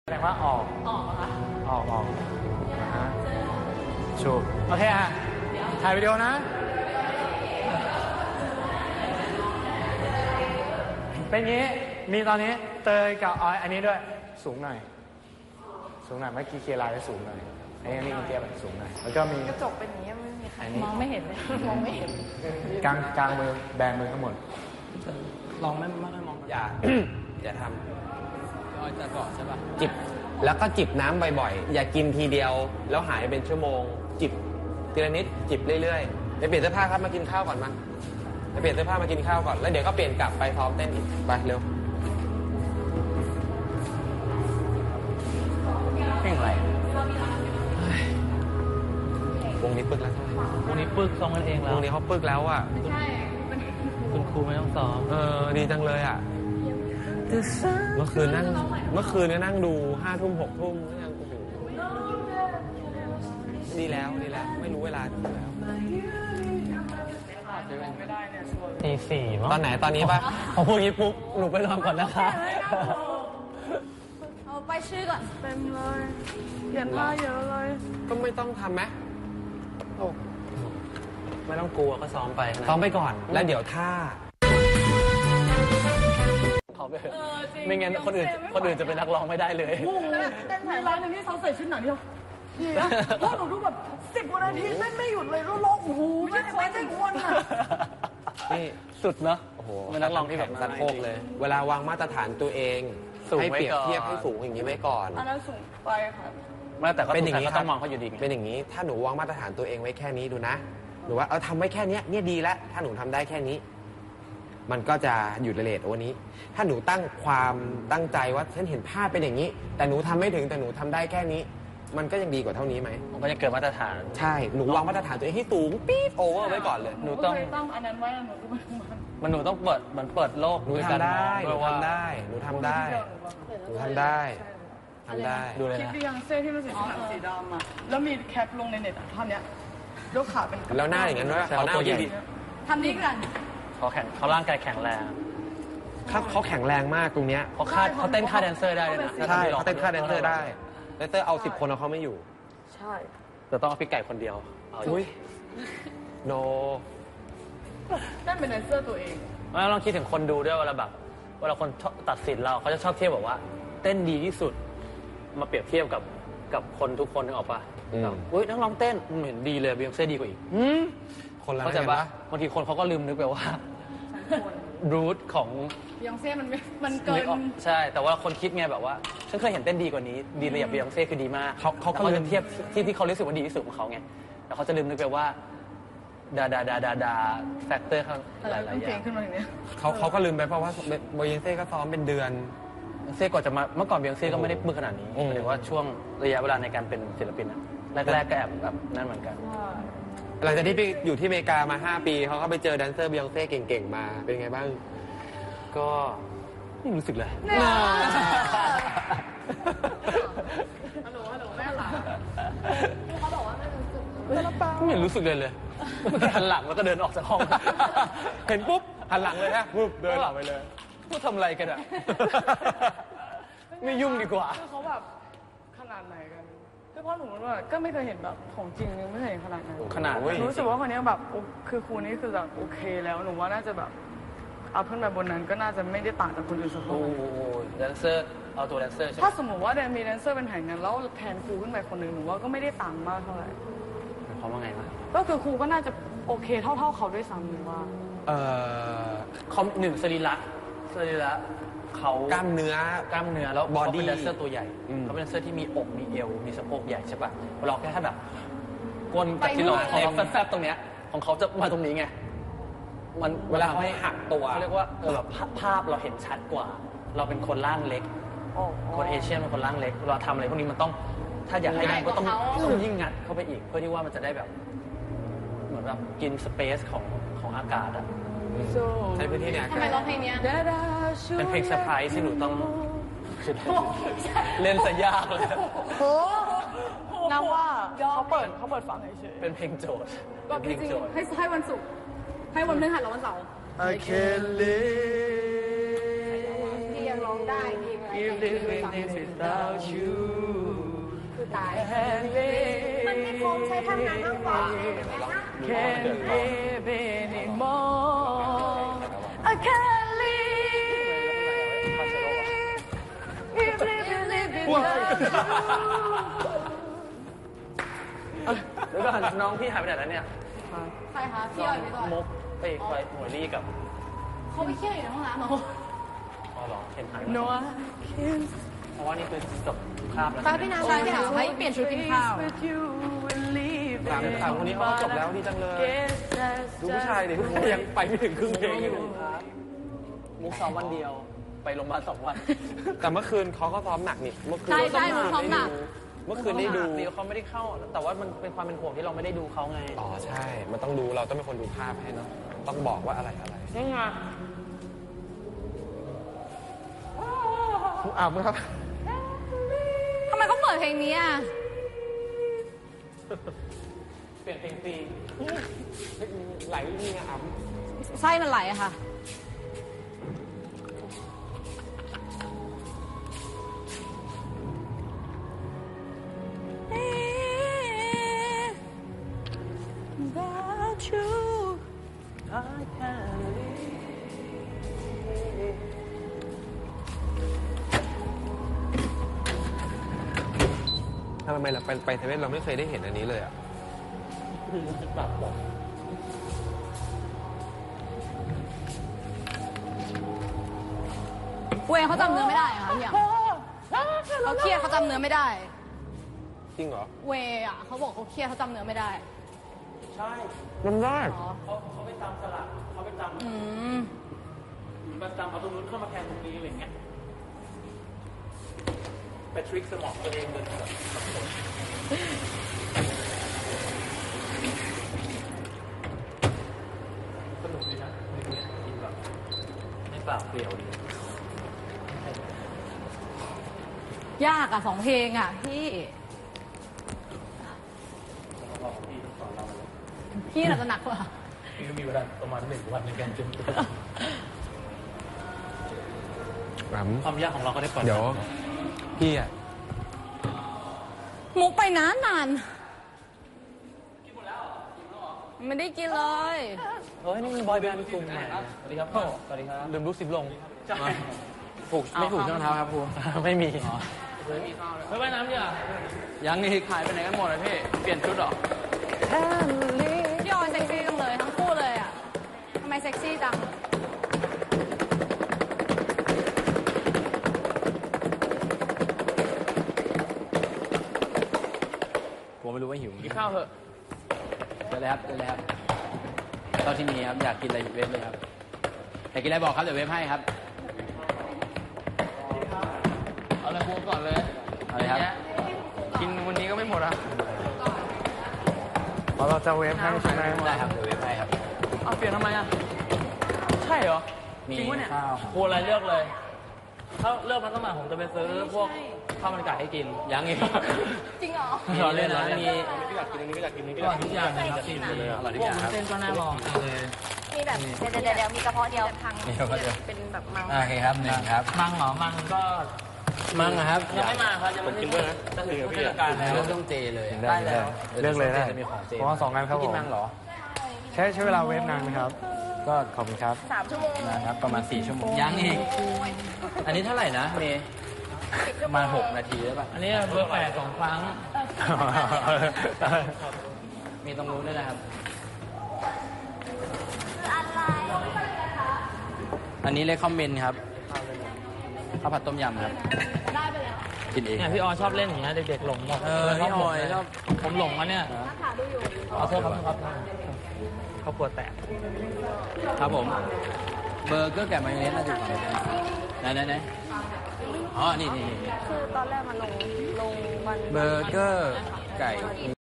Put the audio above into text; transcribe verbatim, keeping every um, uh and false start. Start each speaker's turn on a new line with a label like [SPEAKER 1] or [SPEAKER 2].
[SPEAKER 1] แสดงว่าออกออกค่ะออกออกนะฮะชูโอเคฮะถ่ายวิดีโอนะเป็นงี้มีตอนนี้เตยกับออยอันนี้ด้วยสูงหน่อยสูงหน่อยเมื่อกี้เคลียร์ไลน์ได้สูงหน่อยอันนี้นี่เตี้ยแบบสูงหน่อยแล้วก็มี
[SPEAKER 2] กระจกเป็นอย่างนี้ไม่มีใคร
[SPEAKER 1] ม
[SPEAKER 2] องไม่เห็นเลยมองไม่เห็น
[SPEAKER 1] กลางกลางมือแบมือทั้งหมด
[SPEAKER 3] ลองไม่ไม่ค่อยมองอย่าอย่าท
[SPEAKER 1] ำออยจะบอกใช่ป่ะ
[SPEAKER 3] จิบแล้วก็จิบน้ำบ่อยๆอย่ากินทีเดียวแล้วหายเป็นชั่วโมงจิบทีละนิดจิบเรื่อยๆไปเปลี่ยนเสื้อผ้าครับมากินข้าวก่อนมาไปเปลี่ยนเสื้อผ้ามากินข้าวก่อนแล้วเดี๋ยวก็เปลี่ยนกลับไปพร้อมเต้นอีกไปเร็ว
[SPEAKER 1] เพลงอะไร
[SPEAKER 3] วงนี้ปึกแล้ว
[SPEAKER 1] วงนี้ปึกซ้อมกันเองแล้ว
[SPEAKER 3] วงนี้เขาปึกแล้วอ่ะ
[SPEAKER 2] ใช่
[SPEAKER 1] คุณครูไม่ต้องซ้อม
[SPEAKER 3] เออดีจังเลยอ่ะเมื่อคืนนั่งเมื่อคืนเนี่ยนั่งดูห้าทุ่มหกทุ่มยังโอ้โหดีแล้วดีแล้วไม่รู้เวลาดีแล้ว
[SPEAKER 1] ตีสี่มั้ง
[SPEAKER 3] ตอนไหนตอนนี้ป่ะ
[SPEAKER 1] พอพูดงี้ปุ๊บหนูไปนอนก่อนนะคะ
[SPEAKER 2] เอาไปชื่อก่อนเต็มเลยเขียนผ้าเยอะเลย
[SPEAKER 3] ก็ไม่ต้องทำไหม
[SPEAKER 1] ไม่ต้องกลัวก็ซ้อมไป
[SPEAKER 3] ซ้อมไปก่อนแล้วเดี๋ยวท่า
[SPEAKER 1] เขาไปไม่งั้นคนอื่นคนอื่นจะเป็นนักร้องไม่ได้เลย
[SPEAKER 2] เต้นร้านหนึ่งที่เขาใส่ชุดหนังเดียวพวกหนูดูแบบสิบกว่านาทีเต้นไม่หยุดเลยแล้วร้องโอ้โหไม่ได้ไม่ได้อ้วนอ่ะ
[SPEAKER 3] นี่
[SPEAKER 1] สุดเนาะ
[SPEAKER 3] โอ้โห
[SPEAKER 1] เป็นนักร้องที่แบบ
[SPEAKER 3] สะโพกเลยเวลาวางมาตรฐานตัวเองให้เปรียบเทียบให้สูงอย่างนี้ไว้ก่อน
[SPEAKER 2] อันนั้นสูงไปค่ะ
[SPEAKER 1] ไม่แต่ก็เป็นอย่างนี้ต้องมองเขาอยู่ดี
[SPEAKER 3] เป็นอย่างนี้ถ้าหนูวางมาตรฐานตัวเองไว้แค่นี้ดูนะหนูว่าเออทำไว้แค่นี้เนี่ยดีแล้วถ้าหนูทำได้แค่นี้มันก็จะอยู่ในเรทวันนี้ถ้าหนูตั้งความตั้งใจว่าฉันเห็นภาพเป็นอย่างนี้แต่หนูทำไม่ถึงแต่หนูทำได้แค่นี้มันก็ยังดีกว่าเท่านี้ไหม
[SPEAKER 1] มันก็จะเกิดมาตรฐาน
[SPEAKER 3] ใช่หนูวางมาตรฐานตัวเองให้สูงปี๊ดโอเวอร์ไว้ก่อนเลย
[SPEAKER 2] หนูต้องต้องอันนั้นไว้หนูต้อง
[SPEAKER 1] มันหนูต้องเปิดมันเปิดโลก
[SPEAKER 3] หนูทำได้หนูทำได้หนูทำได้หนูทำได้ทำได้
[SPEAKER 1] ดูเลย
[SPEAKER 2] นะคลิปบิยังเซ่ที่มันสีสีดำอ่ะแล้วมีแคปลงในเน็ตอ่ะท่อนเนี้ยยกขาเป็น
[SPEAKER 3] แล้วหน้าอย่างนั้นด้วยเขาหน้าตัวใหญ่
[SPEAKER 2] ทำนี้กัน
[SPEAKER 1] เขาแข็งเขาร่างกายแข็งแรง
[SPEAKER 3] เขาเขาแข็งแรงมากตรงเนี้ย
[SPEAKER 1] เขาคาดเขาเต้นค่าแดนเซอร์ได้เลยนะ
[SPEAKER 3] ใช่เขาเต้นค่าแดนเซอร์ได้แดนเซอร์เอาสิบคนเอาเขาไม่อยู่
[SPEAKER 2] ใช่
[SPEAKER 1] แต่ต้องเอาพี่ไก่คนเดียว
[SPEAKER 3] อุ้ยโน
[SPEAKER 2] นั่นเป็นแดนเซอร์ตัวเอง
[SPEAKER 1] ไม่ลองคิดถึงคนดูด้วยเวลาแบบเวลาคนตัดสินเราเขาจะชอบเทียบแบบว่าเต้นดีที่สุดมาเปรียบเทียบกับกับคนทุกคนนึกออกปะอุ้ยนักร้องเต้นมันเห็นดีเลยบิยองเซ่ดีกว่าอีก
[SPEAKER 3] คนละ
[SPEAKER 1] เขาจะว่าบางทีคนเขาก็ลืมนึกไปว่ารูทของ
[SPEAKER 2] บิยองเซ่มันมันเกิน
[SPEAKER 1] ใช่แต่ว่าคนคิดไงแบบว่าฉันเคยเห็นเต้นดีกว่านี้ดีเลยอย่างบิยองเซ่คือดีมาก
[SPEAKER 3] เขาเขา
[SPEAKER 1] เขาจะเทียบที่ที่เขารู้สึกว่าดีที่สุดของเขาไงแต่เขาจะลืมนึกไปว่าดาดาดาดาดาแฟกเตอร์เขาหลายๆอย่าง
[SPEAKER 3] เขาเขาก็ลืมไปเพราะว่าบิยองเซ่ก็ซ้อมเป็นเดือน
[SPEAKER 1] เซ่ก่อนจะมาเมื่อก่อนบิยองเซ่ก็ไม่ได้มือขนาดนี้หรือว่าช่วงระยะเวลาในการเป็นศิลปินอะแรกๆก็แอบแบบนั่นเหมือนกัน
[SPEAKER 3] หลังจากที่ไปอยู่ที่อเมริกามาห้าปีเขาก็ไปเจอแดนเซอร์บิยองเซ่เก่งๆมาเป็นไงบ้าง
[SPEAKER 1] ก็ไม่รู้สึกเลย
[SPEAKER 2] ฮัลโหลฮัลโหลแม่หลานเขาบอกว่าไม่รู้สึก
[SPEAKER 1] ไม่รู้สึกเลยเลยหันหลังแล้วก็เดินออกจากห้อง
[SPEAKER 3] เห็นปุ๊บหันหลังเลยฮะปุ๊บเดินหลังไปเลย
[SPEAKER 1] พูดทำอะไรกันอ่ะไม่ยุ่งดีกว่า
[SPEAKER 2] คือเขาแบบขนาดไหนกันคือพ่อหนูว่าก็ไม่เคยเห็นแบบของจริงไม่เคยเห็นขนาดนั้น
[SPEAKER 1] ขนาด
[SPEAKER 2] รู้สึกว่าคนนี้แบบคือครูนี้คือแบบโอเคแล้วหนูว่าน่าจะแบบเอาขึ้นไปบนนั้นก็น่าจะไม่ได้ต่างจากคนอื่นสักคน
[SPEAKER 1] โอ้แดนเซอร์เอาตัวแดนเซอร์
[SPEAKER 2] ถ้าสมมติว่าแดนมีแดนเซอร์เป็นแห่งนั้นแล้วแทนครูขึ้นไปคนหนึ่งหนูว่าก็ไม่ได้ต่างมากเท่าไหร่
[SPEAKER 1] เขาว่าไงวะ
[SPEAKER 2] ก็คือครูก็น่าจะโอเคเท่าเท่าเขาด้วยซ้ำหรือว่า
[SPEAKER 1] เออคอมหนึ่งสรีระสรีระเขา
[SPEAKER 3] กล้ามเนื้อก
[SPEAKER 1] ล้ามเนื้อแล้วเขาเป็นแดนเซอร์ตัวใหญ่เขาเป็นแดนเซอร์ที่มีอกมีเอวมีสะโพกใหญ่ใช่ป่ะเราแค่แบบก้นกับที่เราของแฟบๆตรงเนี้ยของเขาจะมาตรงนี้ไงมัน
[SPEAKER 3] เวลาเขาให้หักตัว
[SPEAKER 1] เขาเรียกว่าเออแบบภาพเราเห็นชัดกว่าเราเป็นคนร่างเล็กคนเอเชียเป็นคนร่างเล็กเราทำอะไรพวกนี้มันต้องถ้าอยากให้ได้ก็ต้องต้องยิ่งงัดเข้าไปอีกเพื่อที่ว่ามันจะได้แบบเหมือนแบบกินสเปซของของอากาศอะ
[SPEAKER 3] ใช้พื้นที่เนี่ย
[SPEAKER 2] ทำไมร้องเพลงนี้
[SPEAKER 1] เป็นเพลงเซอร์ไพรส์ที่หนูต้องเล่นซะยากเลย
[SPEAKER 2] น้าว่าเขาเปิดเขาเปิดฟังเฉย
[SPEAKER 1] เป็นเพลงโจทย์
[SPEAKER 2] ก็จริงให้ให้วันศุกร์ให้วันพฤหัสและวันเสาร์
[SPEAKER 1] I can't live
[SPEAKER 2] ที่ยังร้องได้ดีไหม
[SPEAKER 1] keep living this without you
[SPEAKER 4] คือตาย มันไม่คมใช้ทำงานมากกว่า
[SPEAKER 1] Can't live anymore I can't live Keep living living without you เดี๋ยวก่อนน้องพี่หายไปไหนแล้วเนี่ย
[SPEAKER 4] ใครคะพี่ออยไปก่อน
[SPEAKER 1] มุกไปไปหัวลี่กับ
[SPEAKER 4] เขาไปเที่ยวอยู่ในห้องน้ำเหรอ
[SPEAKER 1] อ๋อเหรอเห็นหายนัวเพราะว่านี่คือจบคาบแล้ว
[SPEAKER 4] ป้าพี่นาชายพี่ถามให้เปลี่ยนชุดกินข้าว
[SPEAKER 1] ถามถามคนนี้เขาจบแล้วดีจังเลยดูผู้ชายดิยังไปไม่ถึงครึ่งเพลงอยู่มุกซ้อมวันเดียวไปโรงพยาบาลสองวัน
[SPEAKER 3] แต่เมื่อคืนเขาก็ซ้อมหนักนี่เมื่อคืน
[SPEAKER 4] ใช่ใช่มุกซ้อมหนัก
[SPEAKER 3] เมื่อคืนได้ดู
[SPEAKER 1] เดียวเขาไม่ได้เข้า แต่ว่ามันเป็นความเป็นห่วงที่เราไม่ได้ดูเขาไง
[SPEAKER 3] อ๋อใช่ มันต้องดูเราต้องเป็นคนดูภาพให้เนาะต้องบอกว่าอะไรอะไร
[SPEAKER 1] นี่ไง
[SPEAKER 3] อ้าวมึงครับ
[SPEAKER 4] ทำไมเขาเปิดเพลงนี้อ่ะ
[SPEAKER 1] เปลี่ยนเพลงฟรี
[SPEAKER 3] ไหลนี่ไงอ่ะ
[SPEAKER 4] ไส้มันไหลอะค่ะ
[SPEAKER 1] Without you I can't live
[SPEAKER 3] ทำไมเราไปไปเทเวนเราไม่เคยได้เห็นอันนี้เลยอ่ะ
[SPEAKER 1] ปรับบอก
[SPEAKER 4] เวย์เขาจำเนื้อไม่ได้อะค่ะพี่อ่ะเขาเครียดเขาจำเนื้อไม่ได้
[SPEAKER 3] จริงเหรอ
[SPEAKER 4] เวย์อ่ะเขาบอกเขาเครียดเขาจำเนื้อไม่ได้
[SPEAKER 1] ใช่
[SPEAKER 3] มันได้
[SPEAKER 4] อ๋อ
[SPEAKER 1] เขาเขาไปจำสลักเขาไปจำ
[SPEAKER 4] อืม
[SPEAKER 1] มาจำเอาตรงนู้นเข้ามาแทนตรงนี้อะไรเงี้ยไปทริคสมองตัวเองเลยแบบสับสนสนุกดีนะในนี้กินแบบไม่เปล่าเปลี่ยวดี
[SPEAKER 4] ยากอ่ะสองเพลงอ่ะพี่
[SPEAKER 1] บอกพี่ต้องสอนเราเลย
[SPEAKER 4] พี่น่าจะหนักกว่า
[SPEAKER 1] พี่ก็มีเวลาประมาณหนึ่งวันในการจำตัว
[SPEAKER 3] อืม
[SPEAKER 1] ความยากของเราก็ได้ก่อน
[SPEAKER 3] เดี๋ยวพี่อ่ะ
[SPEAKER 4] มุกไปนานนานไม่ได้กินเลย
[SPEAKER 1] เฮ้ยนี่มันบอยแบนด์กลุ่มใหม่สวัสดีครับพ่อสวัสดีครับลืมลูกซิปลงผูกไม่ผูกช่องเท้าครับครูไม่มีไม่ว่ายน้ำเนี่ยยังนี่ขายไปไหนกันหมดเลยพี่เปลี่ยนชุดหรอ
[SPEAKER 4] พี่ออยเซ็กซี่จังเลยทั้งคู่เลยอ่ะทำไมเซ็กซี่จัง
[SPEAKER 5] ผมไม่รู้ว่าหิว
[SPEAKER 1] กินข้าวเถอะ
[SPEAKER 5] เจอเลยครับเจอเลยครับตอนที่มีครับ อยากกินอะไรเว็บเลยครับ อยากกินอะไรบอกครับ เดี๋ยวเว็บให้ครับ
[SPEAKER 1] เอาเลยครูก่อนเลย
[SPEAKER 5] เอาเลยครับ
[SPEAKER 1] กินวันนี้ก็ไม่หมดอ่ะ
[SPEAKER 3] พอเราจะเวฟให้ใช่ไหม
[SPEAKER 5] ได้ครับ เดี๋ยวเว็บให้ครับ
[SPEAKER 1] เอาเปลี่ยนทำไมอ่ะใช่เหรอ
[SPEAKER 5] มี
[SPEAKER 1] จริงวะเนี่ย
[SPEAKER 5] ข้าวครับ
[SPEAKER 1] ครูอะไรเลือกเลย ถ้าเลือกมันสมัครผมจะไปซื้อพวกข้าวมันไก่ให้กิน
[SPEAKER 5] ยังอีก
[SPEAKER 4] จริงเหรอ
[SPEAKER 5] มีเล่นแล้วมี
[SPEAKER 1] ไม่อยากกินอันนี้ไม่อยากกินอันนี้
[SPEAKER 5] อร่อยทุกอย่างเลยครับอร่อยทุกอย่างครับ
[SPEAKER 1] เส้นก็น่าลองเลย
[SPEAKER 4] มีแบบเดี๋ยวเดี๋ยวเดี๋ยวมีกระเพาะเดียวทาง
[SPEAKER 5] เดี๋ยวก็เดี๋ยว
[SPEAKER 4] เป็นแบบมัง
[SPEAKER 5] โอเคครับหนึ่งครับ
[SPEAKER 1] มังเหรอ มังก็
[SPEAKER 5] มั่งนะครับ
[SPEAKER 1] ยังไม่มาครับยังไม่ได้ด้วยนะจะถือผู้จัดการ
[SPEAKER 5] แล้
[SPEAKER 1] แล้ว ว
[SPEAKER 5] ต้องเจเลยอะ
[SPEAKER 1] ได้แล้ว
[SPEAKER 5] เลือกเลยได้จะมีของเจ
[SPEAKER 6] เพราะว่าสองงานครับผม
[SPEAKER 5] กินมั่งเหรอ
[SPEAKER 6] ใช้ใช้เวลาเวฟนานไหมครับ ก็ขอบคุณครับ
[SPEAKER 4] สามชั่วโมง
[SPEAKER 5] นะครับ ประมาณสี่ชั่วโมง ยังอีก อันนี้เท่าไหร่นะเมย์ประมาณหกนาทีได้ป่ะ
[SPEAKER 1] อันนี้เบอร์แปดสองครั้ง
[SPEAKER 5] มีตรงนู้นด้วยนะครับ อันนี้เลยคอมเมนต์ครับข้าวผัดต้มยำครับ
[SPEAKER 4] ได้ไปแล้ว
[SPEAKER 5] กินเอง
[SPEAKER 1] เนี่ยพี่ออชอบเล่นอย่างเงี้ยเด็กๆหลงหมด
[SPEAKER 5] เออพี่ออยชอบ
[SPEAKER 1] ผมหลงอ่ะเนี่ย
[SPEAKER 4] ถามดูอยู่
[SPEAKER 1] ขอโทษครับครับครอบครัวแตก
[SPEAKER 5] ครับผม เบอร์เกอร์แกะมายองเนสน่าจะอยู่ฝั่งไหนไหนไหนอ๋อ นี่นี่นี่
[SPEAKER 4] คือตอนแรกมันลงลงวัน
[SPEAKER 5] เบอร์เกอร์ไก่